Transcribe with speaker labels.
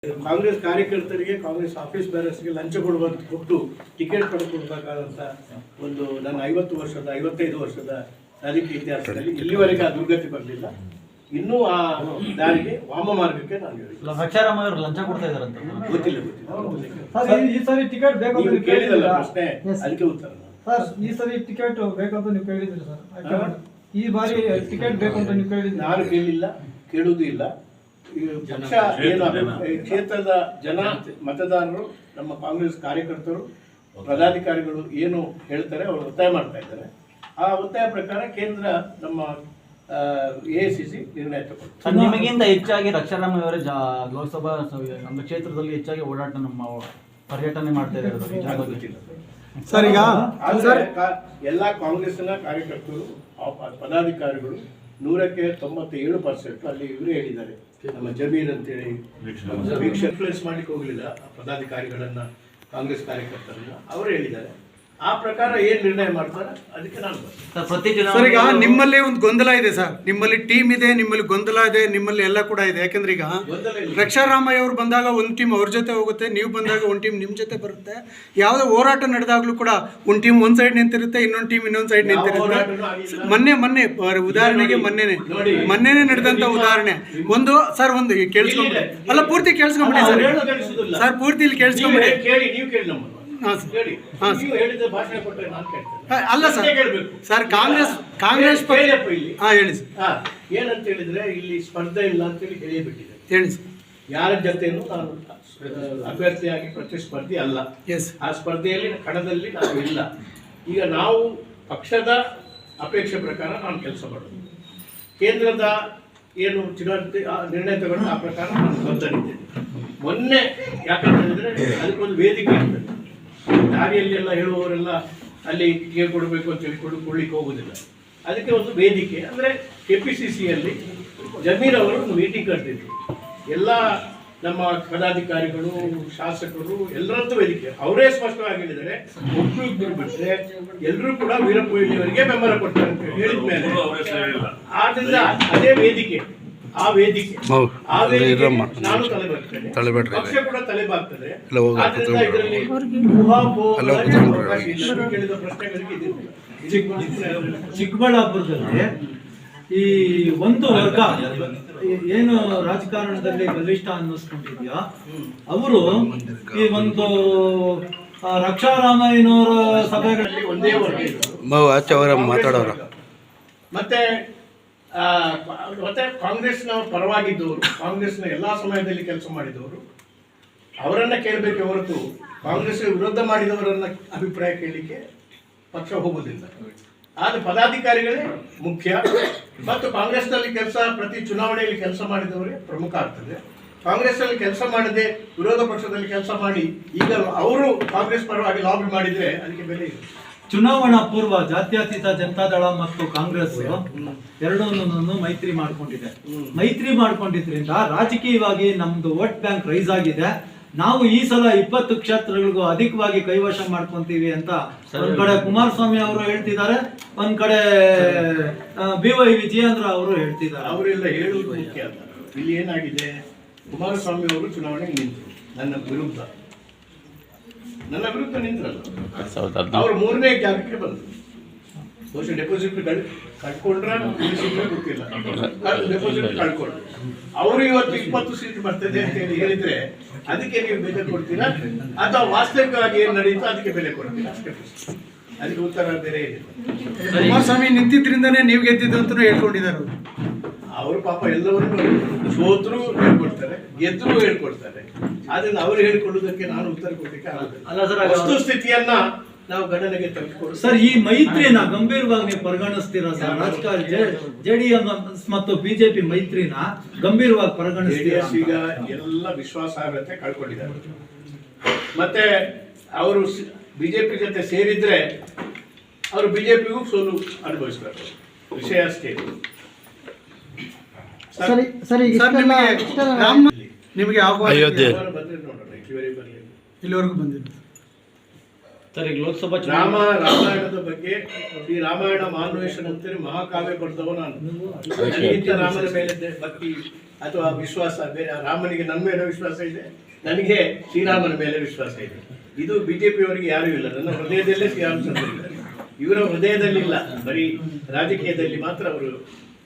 Speaker 1: ಕಾಂಗ್ರೆಸ್ ಕಾರ್ಯಕರ್ತರಿಗೆ ಕಾಂಗ್ರೆಸ್ ಆಫೀಸ್ ಬೇರರ್ಸ್ಗೆ ಲಂಚ ಕೊಟ್ಟು ಟಿಕೆಟ್ ಪಡೆದುಕೊಳ್ಬೇಕಾದಂಥ ಒಂದು ನನ್ನ 55 ವರ್ಷದ ರಾಜಕೀಯ ಇತಿಹಾಸದಲ್ಲಿ ಇಲ್ಲಿವರೆಗೆ ಆ ದುರ್ಗತಿ ಬರಲಿಲ್ಲ. ಇನ್ನೂ ಆ ದಾರಿಗೆ ವಾಮ ಮಾರ್ಗಕ್ಕೆ ನಾನು ಹೇಳಿಲ್ಲ.
Speaker 2: ರಕ್ಷಾರಾಮ ಅವರು ಲಂಚ ಕೊಡ್ತಾ ಇದ್ದಾರೆ ಅಂತ
Speaker 1: ಗೊತ್ತಿಲ್ಲ.
Speaker 3: ಈ ಸರಿ ಟಿಕೆಟ್ ಬೇಕು
Speaker 1: ಕೇಳಿದಲ್ಲ ಪ್ರಶ್ನೆ, ಅದಕ್ಕೆ ಉತ್ತರ.
Speaker 3: ಸರ್, ಈ ಸರಿ ಟಿಕೆಟ್ ಬೇಕಂತ ನೀವು ಕೇಳಿದ್ರಿ ಸರ್. ಈ ಬಾರಿ ಟಿಕೆಟ್ ಬೇಕು ಅಂತ ನೀವು ಕೇಳಿದ್ರಿ.
Speaker 1: ನಾನು ಕೇಳಿಲ್ಲ, ಕೇಳುವುದೂ ಇಲ್ಲ. ಪಕ್ಷ ಏನು ಕ್ಷೇತ್ರದ ಜನ ಮತದಾರರು, ನಮ್ಮ ಕಾಂಗ್ರೆಸ್ ಕಾರ್ಯಕರ್ತರು, ಪದಾಧಿಕಾರಿಗಳು ಏನು ಹೇಳ್ತಾರೆ ಅವರು ಒತ್ತಾಯ ಮಾಡ್ತಾ ಇದ್ದಾರೆ. ಆ ಒತ್ತಾಯ ಪ್ರಕಾರ ಕೇಂದ್ರ ನಮ್ಮ AICC ನಿರ್ಣಯ ತಗೊಂಡು
Speaker 2: ನಿಮಗಿಂತ ಹೆಚ್ಚಾಗಿ ರಕ್ಷಾರಾಮ ಅವರೇ ಲೋಕಸಭಾ ನಮ್ಮ ಕ್ಷೇತ್ರದಲ್ಲಿ ಹೆಚ್ಚಾಗಿ ಓಡಾಟ ನಮ್ಮ ಪರ್ಯಟನೆ ಮಾಡ್ತಾ ಇದ್ದಾರೆ
Speaker 3: ಸರ್. ಈಗ
Speaker 1: ಎಲ್ಲ ಕಾಂಗ್ರೆಸ್ನ ಕಾರ್ಯಕರ್ತರು ಪದಾಧಿಕಾರಿಗಳು 100ಕ್ಕೆ 97% ಅಲ್ಲಿ ಇವರೇ ಹೇಳಿದ್ದಾರೆ. ನಮ್ಮ ಜಮೀರ್ ಅಂತೇಳಿ ಇನ್ಫ್ಲುಯೆನ್ಸ್ ಮಾಡ್ಲಿಕ್ಕೆ ಹೋಗಲಿಲ್ಲ ಪದಾಧಿಕಾರಿಗಳನ್ನ, ಕಾಂಗ್ರೆಸ್ ಕಾರ್ಯಕರ್ತರನ್ನ, ಅವರು ಹೇಳಿದ್ದಾರೆ. ಆ ಪ್ರಕಾರ ಏನ್ ನಿರ್ಣಯ ಮಾಡ್ತಾರೆ ಅದಕ್ಕೆ ನಾನು
Speaker 4: ಸರ್. ಈಗ ನಿಮ್ಮಲ್ಲಿ ಒಂದು ಗೊಂದಲ ಇದೆ ಸರ್, ನಿಮ್ಮಲ್ಲಿ ಟೀಮ್ ಇದೆ, ನಿಮ್ಮಲ್ಲಿ ಗೊಂದಲ ಇದೆ, ನಿಮ್ಮಲ್ಲಿ ಎಲ್ಲ ಕೂಡ ಇದೆ. ಯಾಕಂದ್ರೆ ಈಗ ರಕ್ಷಾರಾಮಯ್ಯ ಅವರು ಬಂದಾಗ ಒಂದು ಟೀಮ್ ಅವ್ರ ಜೊತೆ ಹೋಗುತ್ತೆ, ನೀವು ಬಂದಾಗ ಒಂದು ಟೀಮ್ ನಿಮ್ಮ ಜೊತೆ ಬರುತ್ತೆ. ಯಾವುದೇ ಹೋರಾಟ ನಡೆದಾಗ್ಲೂ ಕೂಡ ಒಂದು ಟೀಮ್ ಒಂದು ಸೈಡ್ ನಿಂತಿರುತ್ತೆ, ಇನ್ನೊಂದು ಟೀಮ್ ಇನ್ನೊಂದು ಸೈಡ್ ನಿಂತಿರುತ್ತೆ. ಮೊನ್ನೆ ಉದಾಹರಣೆಗೆ ಮೊನ್ನೆನೆ ನಡೆದಂತ ಉದಾಹರಣೆ ಒಂದು ಸರ್. ಒಂದು ಕೇಳಿಸ್ಕೊಂಬಿಡಿ, ಅಲ್ಲ ಪೂರ್ತಿ ಕೇಳಿಸ್ಕೊಂಬಿಡಿ ಸರ್, ಪೂರ್ತಿ ಇಲ್ಲಿ ಕೇಳಿಸ್ಕೊಂಬಿಡಿ. ಅಲ್ಲ ಸರ್, ಕಾಂಗ್ರೆಸ್ ಹೇಳಿ
Speaker 1: ಏನಂತ ಹೇಳಿದ್ರೆ ಇಲ್ಲಿ ಸ್ಪರ್ಧೆ ಇಲ್ಲ ಅಂತೇಳಿ ಹೇಳಿಬಿಟ್ಟಿದೆ.
Speaker 4: ಹೇಳಿ ಸರ್.
Speaker 1: ಯಾರ ಜೊತೆನೂ ನಾನು ಅಭ್ಯರ್ಥಿಯಾಗಿ ಪ್ರತಿಸ್ಪರ್ಧಿ ಅಲ್ಲ. ಆ ಸ್ಪರ್ಧೆಯಲ್ಲಿ ಕಣದಲ್ಲಿ ನಾನು ಇಲ್ಲ. ಈಗ ನಾವು ಪಕ್ಷದ ಅಪೇಕ್ಷೆ ಪ್ರಕಾರ ನಾನು ಕೆಲಸ ಮಾಡೋದು. ಕೇಂದ್ರದ ಏನು ಚುನಾವಣೆ ನಿರ್ಣಯ ತಗೊಂಡು ಆ ಪ್ರಕಾರ ನಾನು ಬದ್ಧನಿದ್ದೇನೆ. ಮೊನ್ನೆ ಯಾಕಂತ ಹೇಳಿದ್ರೆ ಅದಕ್ಕೊಂದು ವೇದಿಕೆ ಇರ್ತದೆ. ದಾರಿಯಲ್ಲಿ ಎಲ್ಲ ಹೇಳುವವರೆಲ್ಲ ಅಲ್ಲಿ ಕೇಳ್ಕೊಡ್ಬೇಕು ಅಂತ ಹೇಳ್ಕೊಂಡು ಕೊಡ್ಲಿಕ್ಕೆ ಹೋಗುದಿಲ್ಲ. ಅದಕ್ಕೆ ಒಂದು ವೇದಿಕೆ ಅಂದ್ರೆ KPCCಯಲ್ಲಿ ಜಮೀರ್ ಅವರು ಒಂದು ಮೀಟಿಂಗ್ ಕರೆದಿದ್ರು. ಎಲ್ಲ ನಮ್ಮ ಪದಾಧಿಕಾರಿಗಳು, ಶಾಸಕರು ಎಲ್ಲರದ್ದು ವೇದಿಕೆ. ಅವರೇ ಸ್ಪಷ್ಟವಾಗಿ ಹೇಳಿದ್ದಾರೆ, ಒಬ್ಬರು ಬಿಟ್ಟರೆ ಎಲ್ಲರೂ ಕೂಡ ವೀರಪ್ಪ ಮೊಯ್ಲಿಯವರಿಗೆ ಬೆಂಬಲ ಕೊಡ್ತಾರೆ ಅಂತ ಹೇಳಿದ ಮೇಲೆ ಆದ್ರಿಂದ ಅದೇ ವೇದಿಕೆ, ಆ ವೇದಿಕೆ ನಾನು ತಲೆ ಬರ್ತೇನೆ, ಪಕ್ಷ ಕೂಡ ತಲೆ ಬಾಗ್ತದೆ. ಕೇಳಿದ ಪ್ರಶ್ನೆಗಳಿಗೆ
Speaker 3: ಚಿಕ್ಕಬಳ್ಳಾಪುರದಲ್ಲಿ ಈ ಒಂದು ವರ್ಗ ಏನು ರಾಜಕಾರಣದಲ್ಲಿ ಬಲಿಷ್ಠ ಅನ್ನಿಸ್ಕೊಂಡಿದ್ಯಾ, ಅವರು ಈ ಒಂದು ರಕ್ಷಾರಾಮಯ್ಯನವರ ಸಭೆಗಳಲ್ಲಿ
Speaker 1: ಒಂದೇ ವರ್ಗ
Speaker 4: ಮಾತಾಡೋರು
Speaker 1: ಮತ್ತೆ ಕಾಂಗ್ರೆಸ್ನ ಪರವಾಗಿದ್ದವರು, ಕಾಂಗ್ರೆಸ್ನ ಎಲ್ಲಾ ಸಮಯದಲ್ಲಿ ಕೆಲಸ ಮಾಡಿದವರು, ಅವರನ್ನ ಕೇಳಬೇಕೆ ಹೊರತು ಕಾಂಗ್ರೆಸ್ ವಿರೋಧ ಮಾಡಿದವರನ್ನ ಅಭಿಪ್ರಾಯ ಕೇಳಲಿಕ್ಕೆ ಪಕ್ಷ ಹೋಗುವುದಿಲ್ಲ. ಆದ್ರೆ ಪದಾಧಿಕಾರಿಗಳೇ ಮುಖ್ಯ. ಮತ್ತು ಕಾಂಗ್ರೆಸ್ನಲ್ಲಿ ಪ್ರತಿ ಚುನಾವಣೆಯಲ್ಲಿ ಕೆಲಸ ಮಾಡಿದವರೇ ಪ್ರಮುಖ ಆಗ್ತದೆ. ಕಾಂಗ್ರೆಸ್ನಲ್ಲಿ ಕೆಲಸ ಮಾಡದೆ ವಿರೋಧ ಪಕ್ಷದಲ್ಲಿ ಕೆಲಸ ಮಾಡಿ ಈಗ ಅವರು ಕಾಂಗ್ರೆಸ್ ಪರವಾಗಿ ಲಾಬಿ ಮಾಡಿದ್ರೆ ಅದಕ್ಕೆ ಬೆಲೆ ಇದೆ.
Speaker 3: ಚುನಾವಣಾ ಪೂರ್ವ ಜಾತ್ಯತೀತ ಜನತಾದಳ ಮತ್ತು ಕಾಂಗ್ರೆಸ್ ಎರಡನ್ನೂ ಮೈತ್ರಿ ಮಾಡ್ಕೊಂಡಿದ್ರಿಂದ ರಾಜಕೀಯವಾಗಿ ನಮ್ದು ವೋಟ್ ಬ್ಯಾಂಕ್ ರೈಸ್ ಆಗಿದೆ. ನಾವು ಈ ಸಲ 20 ಕ್ಷೇತ್ರಗಳಿಗೂ ಅಧಿಕವಾಗಿ ಕೈವಶ ಮಾಡ್ಕೊಂತೀವಿ ಅಂತ ಒಂದ್ ಕಡೆ ಕುಮಾರಸ್ವಾಮಿ ಅವರು ಹೇಳ್ತಿದ್ದಾರೆ, ಒಂದ್ ಕಡೆ BY ವಿಜಯೇಂದ್ರ ಅವರು ಹೇಳ್ತಿದ್ದಾರೆ.
Speaker 1: ಅವರೆಲ್ಲ ಹೇಳುವುದು ಮುಖ್ಯ ಅಲ್ಲ. ಇಲ್ಲಿ ಏನಾಗಿದೆ, ಕುಮಾರಸ್ವಾಮಿ ಅವರು ಚುನಾವಣೆಗೆ ನಿಂತರು ನನ್ನ ವಿರುದ್ಧ ನಿಂತರಲ್ಲ. ಅವರು 3ನೇ ಜಾಗಕ್ಕೆ ಬಂದರು. ಬಹುಶಃ ಡೆಪಾಸಿಟ್ ಕಳ್ಕೊಂಡ್ರೆ ಗೊತ್ತಿಲ್ಲ, ಡೆಪಾಸಿಟ್ ಕಳ್ಕೊಂಡ್ರು. ಅವರು ಇವತ್ತು 20 ಸೀಟ್ ಬರ್ತದೆ ಅಂತ ಹೇಳಿದ್ರೆ ಅದಕ್ಕೆ ನೀವು ಬೆಲೆ ಕೊಡ್ತೀರಾ ಅಥವಾ ವಾಸ್ತವಿಕವಾಗಿ ಏನ್ ನಡೀತೋ ಅದಕ್ಕೆ ಬೆಲೆ ಕೊಡ್ತೀರಾ? ಅಷ್ಟೇ ಪ್ರಶ್ನೆ. ಅದಕ್ಕೆ ಉತ್ತರ ಬೇರೆ ಇದೆ.
Speaker 4: ಕುಮಾರಸ್ವಾಮಿ ನಿಂತಿದ್ರಿಂದಾನೇ ನೀವು ಗೆದ್ದಿದ್ದು ಅಂತ ಹೇಳ್ಕೊಂಡಿದ್ದಾರೆ
Speaker 1: ಅವರು. ಪಾಪ ಎಲ್ಲವನ್ನೂ ಸೋತರು ಹೇಳ್ಕೊಡ್ತಾರೆ, ಗೆದ್ರು ಹೇಳ್ಕೊಡ್ತಾರೆ. ಆದ್ರಿಂದ ಅವರು ಹೇಳ್ಕೊಳ್ಳುವುದಕ್ಕೆ ನಾನು ಉತ್ತರ ಕೊಡ್ಲಿಕ್ಕೆ ಆಗುದಿಲ್ಲ. ವಸ್ತುಸ್ಥಿತಿಯನ್ನ ನಾವು ಗಣನೆಗೆ ತೆಗೆದುಕೊಂಡು
Speaker 3: ಸರ್, ಈ ಮೈತ್ರಿನ ಗಂಭೀರವಾಗಿ ನೀವು ಪರಿಗಣಿಸ್ತೀರಾ ಸರ್? ರಾಜಕಾರಣ JDS ಮತ್ತು BJP ಮೈತ್ರಿನ ಗಂಭೀರವಾಗಿ ಪರಿಗಣಿಸ್ತೀರಾ?
Speaker 1: ಈಗ ಎಲ್ಲ ವಿಶ್ವಾಸಾರ್ಹತೆ ಕಳ್ಕೊಂಡಿದ್ದಾರೆ. ಮತ್ತೆ ಅವರು BJP ಜೊತೆ ಸೇರಿದ್ರೆ ಅವರು BJPಗೂ ಸೋಲು ಅನುಭವಿಸಬೇಕು. ವಿಷಯ ಅಷ್ಟೇ.
Speaker 4: ನಿಮಗೆ ಇಲ್ಲಿವರೆಗೂ ಬಂದಿಲ್ಲ
Speaker 2: ಸರ್. ಈಗ ಲೋಕಸಭಾ
Speaker 1: ರಾಮಾಯಣದ ಬಗ್ಗೆ ಈ ರಾಮಾಯಣ ಮಾನ್ವೇಷಣ ಅಂತೇಳಿ ಮಹಾಕಾವ್ಯ ಬರೆದವ ನಾನು. ರಾಮನ ಮೇಲೆ ಭಕ್ತಿ ಅಥವಾ ವಿಶ್ವಾಸ ಬೇರೆ. ರಾಮನಿಗೆ ನನ್ನ ಮೇಲೆ ವಿಶ್ವಾಸ ಇದೆ, ನನಗೆ ಶ್ರೀರಾಮನ ಮೇಲೆ ವಿಶ್ವಾಸ ಇದೆ. ಇದು ಬಿಜೆಪಿಯವರಿಗೆ ಯಾರೂ ಇಲ್ಲ. ನನ್ನ ಹೃದಯದಲ್ಲೇ ಶ್ರೀರಾಮಚಂದ್ರ ಇದ್ದಾರೆ. ಇವರ ಹೃದಯದಲ್ಲಿಲ್ಲ, ಬರೀ ರಾಜಕೀಯದಲ್ಲಿ ಮಾತ್ರ ಅವರು